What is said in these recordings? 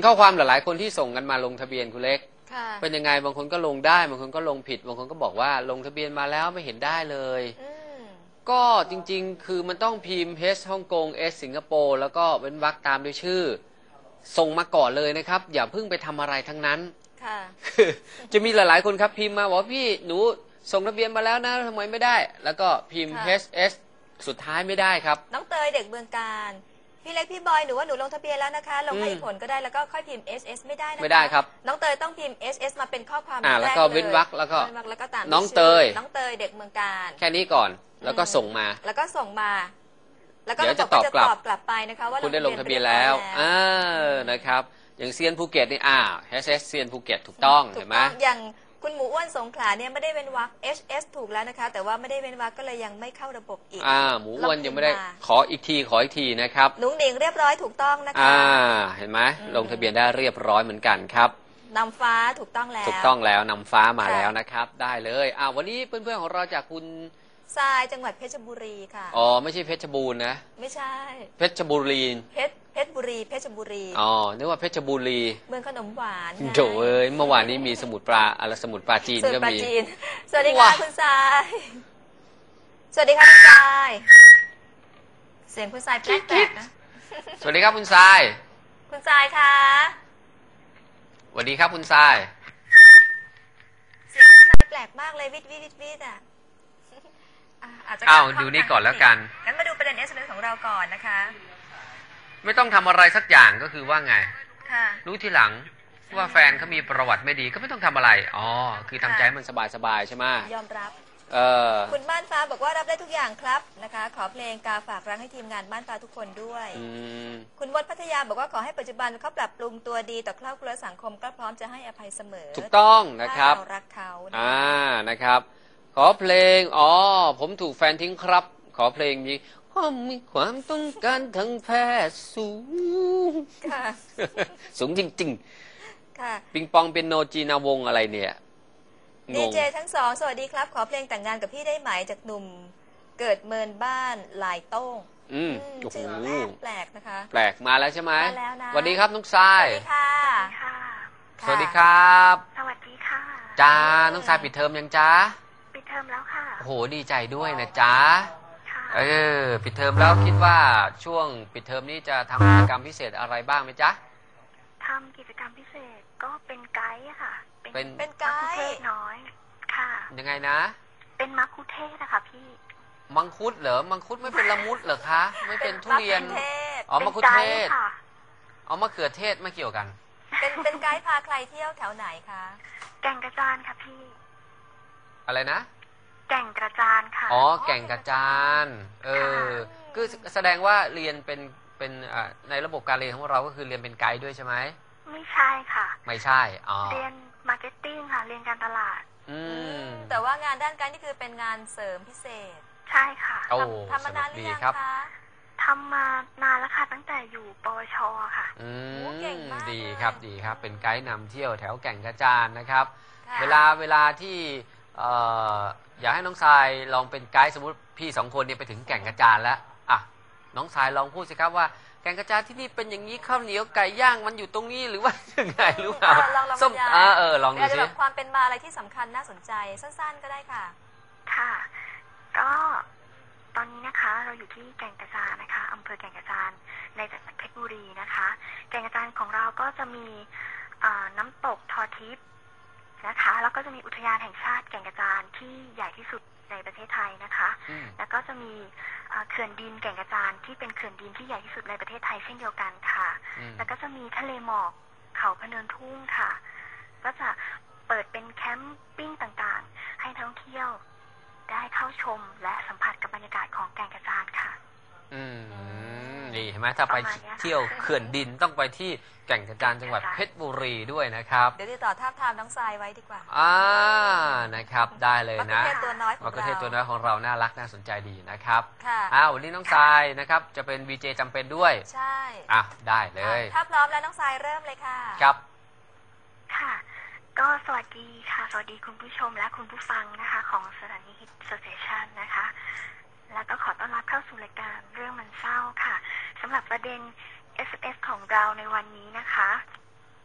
ข้อความหลายๆคนที่ส่งกันมาลงทะเบียนคุณเล็กเป็นยังไงบางคนก็ลงได้บางคนก็ลงผิดบางคนก็บอกว่าลงทะเบียนมาแล้วไม่เห็นได้เลยก็จริงๆคือมันต้องพิมพ์ H ฮ่องกง S สิงคโปร์แล้วก็เว้นวรรคตามด้วยชื่อส่งมาก่อนเลยนะครับอย่าเพิ่งไปทำอะไรทั้งนั้นคือจะมีหลายๆคนครับพิมพ์มาบอกพี่หนูส่งทะเบียนมาแล้วนะทำไมไม่ได้แล้วก็พิมพ์ HS สุดท้ายไม่ได้ครับน้องเตยเด็กเมืองการพี่เล็กพี่บอยหนูว่าหนูลงทะเบียนแล้วนะคะลงให้ผลก็ได้แล้วก็ค่อยพิมพ์ SS ไม่ได้นะคะไม่ได้ครับน้องเตยต้องพิมพ์ SS มาเป็นข้อความแล้วก็เว้นวรรคแล้วก็ตามน้องเตยเด็กเมืองการแค่นี้ก่อนแล้วก็ส่งมาแล้วก็ส่งมาแล้วก็เดี๋ยวจะตอบกลับไปนะคะว่าคุณได้ลงทะเบียนแล้วนะครับอย่างเซียนภูเก็ตนี่HS เซียนภูเก็ตถูกต้องเห็นไหมอย่างคุณหมูอ้วนสงขลาเนี่ยไม่ได้เว้นวรรค HS ถูกแล้วนะคะแต่ว่าไม่ได้เว้นวรรคก็เลยยังไม่เข้าระบบอีกหมูอ้วนยังไม่ได้ขออีกทีนะครับนุ้งหนิงเรียบร้อยถูกต้องนะคะเห็นไหมลงทะเบียนได้เรียบร้อยเหมือนกันครับนำฟ้าถูกต้องแล้วนำฟ้ามาแล้วนะครับได้เลยวันนี้เพื่อนๆของเราจากคุณทรายจังหวัดเพชรบุรีค่ะไม่ใช่เพชรบูรณ์นะไม่ใช่เพชรบุรีเพชรบุรีนึกว่าเพชรบุรีเมืองขนมหวานโถ่เมื่อวานนี้มีสมุทรปราจีนก็มีสวัสดีค่ะคุณทรายสวัสดีค่ะคุณทรายเสียงคุณทรายแปลกๆนะสวัสดีครับคุณทรายคุณทรายคะสวัสดีครับคุณทรายเสียงคุณทรายแปลกมากเลยวิดอาจจะดูนี่ก่อนแล้วกันงั้นมาดูประเด็น SMS ของเราก่อนนะคะไม่ต้องทำอะไรสักอย่างก็คือว่าไงรู้ทีหลังว่าแฟนเขามีประวัติไม่ดีก็ไม่ต้องทำอะไรคือทำใจมันสบายๆใช่ไหมยอมรับคุณบ้านฟ้าบอกว่ารับได้ทุกอย่างครับนะคะขอเพลงกาฝากรังให้ทีมงานบ้านฟ้าทุกคนด้วยคุณวดพัทยาบอกว่าขอให้ปัจจุบันเขาปรับปรุงตัวดีต่อครอบครัวสังคมก็พร้อมจะให้อภัยเสมอถูกต้องนะครับเรารักเขานะครับขอเพลงผมถูกแฟนทิ้งครับขอเพลงนี้มีความต้องการทางแพทย์สูงสูงจริงๆปิงปองเป็นโนจีนาวงอะไรเนี่ยดีเจทั้งสองสวัสดีครับขอเพลงแต่งงานกับพี่ได้ไหมจากหนุ่มเกิดเมินบ้านลายโต้งชื่อแปลกนะคะแปลกมาแล้วใช่ไหมมาแล้วนะสวัสดีครับน้องทรายสวัสดีค่ะสวัสดีครับสวัสดีค่ะจ้าน้องทรายปิดเทอมยังจ้าปิดเทอมแล้วค่ะโอ้โหดีใจด้วยนะจ้าปิดเทอมแล้วคิดว่าช่วงปิดเทอมนี้จะทำกิจกรรมพิเศษอะไรบ้างไหมจ๊ะทำกิจกรรมพิเศษก็เป็นไกด์ค่ะเป็นไกด์เทศน้อยค่ะยังไงนะเป็นมัคคุเทศนะคะพี่มังคุดเหรอมังคุดไม่เป็นละมุดเหรอคะไม่เป็นทุเรียนมังคุดเทศมะเขือเทศไม่เกี่ยวกันเป็นไกด์พาใครเที่ยวแถวไหนคะแก่งกระจานค่ะพี่อะไรนะแก่งกระจานค่ะแก่งกระจานคือแสดงว่าเรียนเป็นในระบบการเรียนของเราก็คือเรียนเป็นไกด์ด้วยใช่ไหมไม่ใช่ค่ะไม่ใช่เรียนมาร์เก็ตติ้งค่ะเรียนการตลาดแต่ว่างานด้านไกด์นี่คือเป็นงานเสริมพิเศษใช่ค่ะทำมานานหรือยังคะทำมานานแล้วค่ะตั้งแต่อยู่ปวชค่ะเก่งมากดีครับเป็นไกด์นำเที่ยวแถวแก่งกระจานนะครับเวลาที่อยากให้น้องทรายลองเป็นไกด์สมมติพี่2 คนเนี่ยไปถึงแก่งกระจานแล้วน้องทรายลองพูดสิครับว่าแก่งกระจานที่นี่เป็นอย่างนี้ข้าวเหนียวไก่ย่างมันอยู่ตรงนี้หรือว่ายังไงหรือเปล่าส้มลองดูสิความเป็นมาอะไรที่สำคัญน่าสนใจสั้นๆก็ได้ค่ะค่ะก็ตอนนี้นะคะเราอยู่ที่แก่งกระจานนะคะอำเภอแก่งกระจานในจังหวัดเพชรบุรีนะคะแก่งกระจานของเราก็จะมีน้ำตกทอทิพย์นะคะแล้วก็จะมีอุทยานแห่งชาติแก่งกระจานที่ใหญ่ที่สุดในประเทศไทยนะคะแล้วก็จะมีเขื่อนดินแก่งกระจานที่เป็นเขื่อนดินที่ใหญ่ที่สุดในประเทศไทยเช่นเดียวกันค่ะแล้วก็จะมีทะเลหมอกเขาพะเนินทุ่งค่ะก็จะเปิดเป็นแคมปิ้งต่างๆให้นักท่องเที่ยวได้เข้าชมและสัมผัสกับบรรยากาศของแก่งกระจานค่ะดีเห็นไหมถ้าไปเที่ยวเขื่อนดินต้องไปที่แก่งกระจานจังหวัดเพชรบุรีด้วยนะครับเดี๋ยวติดต่อทาบทามน้องทรายไว้ดีกว่านะครับได้เลยนะมะเขือเทศตัวน้อยของเราน่ารักน่าสนใจดีนะครับวันนี้น้องทรายนะครับจะเป็น VJ จำเป็นด้วยใช่ได้เลยถ้าพร้อมแล้วน้องทรายเริ่มเลยค่ะครับค่ะก็สวัสดีค่ะสวัสดีคุณผู้ชมและคุณผู้ฟังนะคะของสถานีฮิตสเตชันนะคะแล้วก็ขอต้อนรับเข้าสู่รายการเรื่องมันเศร้าค่ะสำหรับประเด็น SMS ของเราในวันนี้นะคะ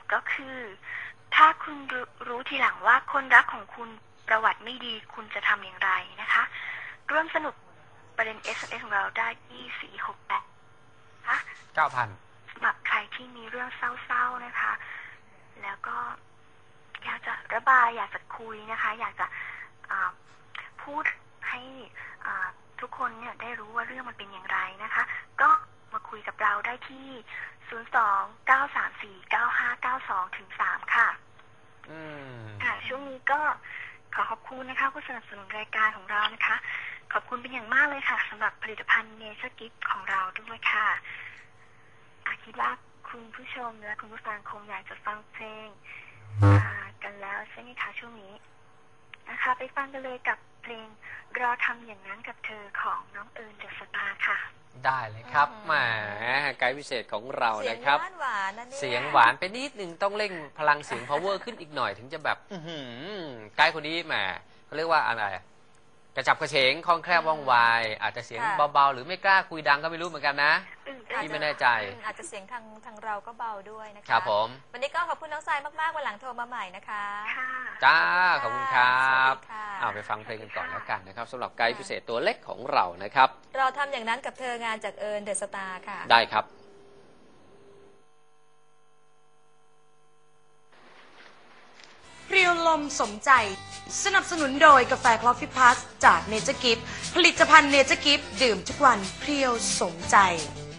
ก็คือถ้าคุณรู้ทีหลังว่าคนรักของคุณประวัติไม่ดีคุณจะทำอย่างไรนะคะร่วมสนุกประเด็น SMS ของเราได้ที่468ค่ะ 9,000 สำหรับใครที่มีเรื่องเศร้าๆนะคะแล้วก็อยากจะระบายอยากจะคุยนะคะอยากจะพูดให้ทุกคนเนี่ยได้รู้ว่าเรื่องมันเป็นอย่างไรนะคะก็มาคุยกับเราได้ที่02-934-9592 ถึง 3ค่ะค่ะช่วงนี้ก็ขอขอบคุณนะคะผู้สนับสนุนรายการของเรานะคะขอบคุณเป็นอย่างมากเลยค่ะสำหรับผลิตภัณฑ์เนเจอร์กิฟต์ของเราด้วยค่ะคิดว่าคุณผู้ชมและคุณผู้ฟังคงอยากจะฟังเพลงกันแล้วใช่ไหมคะช่วงนี้นะคะไปฟังกันเลยกับเพลงรอทำอย่างนั้นกับเธอของน้องเอิญเดอะสตาร์ค่ะได้เลยครับแหมไกด์พิเศษของเรานะครับเสียงหวานนะเนี่ยเสียงหวานไปนิดนึงต้องเร่งพลังเสียง power ขึ้นอีกหน่อยถึงจะแบบไกด์คนนี้แหมเขาเรียกว่าอะไรกระฉับกระเฉงคล่องแคล่วว่องไวอาจจะเสียงเบาๆหรือไม่กล้าคุยดังก็ไม่รู้เหมือนกันนะพี่ไม่แน่ใจอาจจะเสียงทางเราก็เบาด้วยนะคะครับผมวันนี้ก็ขอบคุณน้องทรายมากๆวันหลังโทรมาใหม่นะคะจ้าขอบคุณครับไปฟังเพลงกันก่อนแล้วกันนะครับสำหรับไกด์พิเศษตัวเล็กของเรานะครับเราทำอย่างนั้นกับเธองานจากเอิญเดอะสตาร์ค่ะได้ครับเรียวลมสมใจสนับสนุนโดยกาแฟคลอฟฟี่พลัสจากเนเจอร์กิฟต์ผลิตภัณฑ์เนเจอร์กิฟต์ดื่มทุกวันเพียวสมใจ